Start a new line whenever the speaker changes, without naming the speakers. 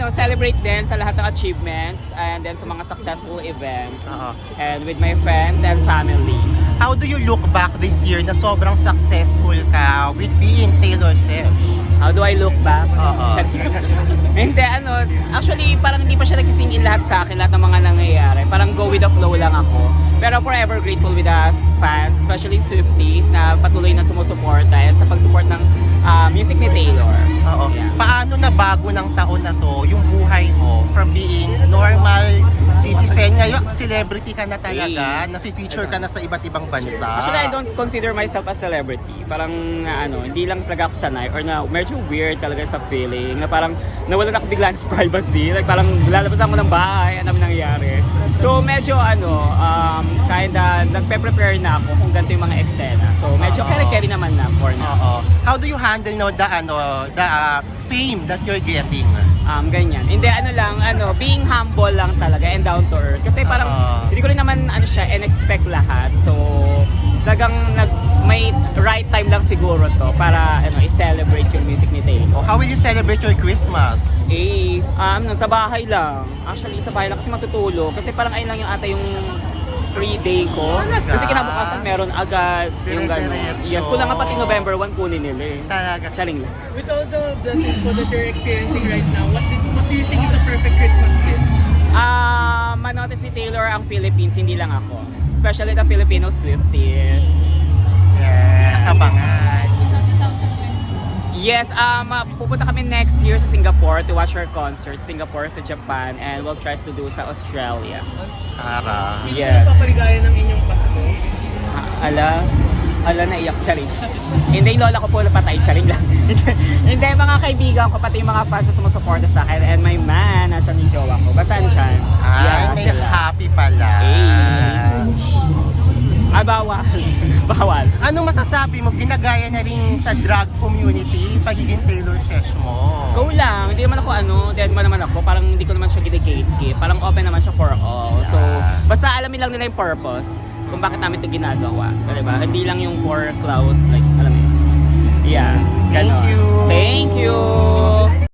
celebrate din sa lahat ng achievements and then sa mga successful events. And with my friends and family.
How do you look back this year na sobrang successful ka with being Taylor Swift?
How do I look back? Hindi, actually parang hindi pa siya nagsisingin lahat sa akin, lahat ng mga nangyayari. Parang go with the flow lang ako. Pero forever grateful with us fans, especially Swifties, na patuloy na sumusuporta and sa pag-support ng music ni Taylor. Yeah.
Paano na bago ng taon na to yung buhay mo from being normal citizen, ngayon celebrity ka na talaga, na-feature ka na sa iba't ibang bansa?
Actually, I don't consider myself a celebrity. Parang hindi lang talaga ako sanay or na medyo weird talaga sa feeling na parang nawalan ako bigla ng privacy. Like parang lalabas ako ng bahay, ano nangyayari. So medyo kinda nagpe-prepare na ako kung ganito yung mga eksena. So medyo carry naman na for now.
How do you handle the fame that you're getting?
Ganyan. Hindi, being humble lang talaga and down to earth. Kasi parang, hindi ko rin naman, in-expect lahat. So, talagang may right time lang siguro to para, i-celebrate yung music ni Taylor.
How will you celebrate your Christmas?
Sa bahay lang. Actually, sa bahay lang kasi matutulog. Kasi parang ayun lang yung yung free day ko. Kasi kinabukasan meron agad yung gano'n. Yes, kulang nga pati November 1 kunin nila eh.
Talaga.
Charing lang.
With all the blessings po that you're experiencing right now, what do you think is a perfect Christmas gift?
Manotice ni Taylor ang Philippines, hindi lang ako. Especially the Filipino Swifties.
Yes, abangan.
Yes, pupunta kami next year sa Singapore to watch her concert. Singapore, sa Japan, and we'll try to do sa Australia.
Ara.
Sino
Yeah.
nagpapaligaya ng inyong Pasko?
Ala naiyak, charing. Hindi, yung lola ko po napatay, charing lang. Hindi, mga kaibigan ko, pati yung mga fans na sumusuporta sa akin, and my man, nasan yung jowa ko. Basta andyan.
May happy pala.
Bawal. Bawal.
Anong masasabi mo? Ginagaya na rin sa drag community pagiging Taylor Swift mo.
Go lang. Hindi naman ako dead man naman ako. Parang hindi ko naman siya gine-gatekeep. Parang open naman siya for all. So, basta alamin lang nila yung purpose kung bakit namin ito ginagawa. Diba? Hindi lang yung for cloud. Like, alam mo yun. Yeah.
Thank you.
Thank you.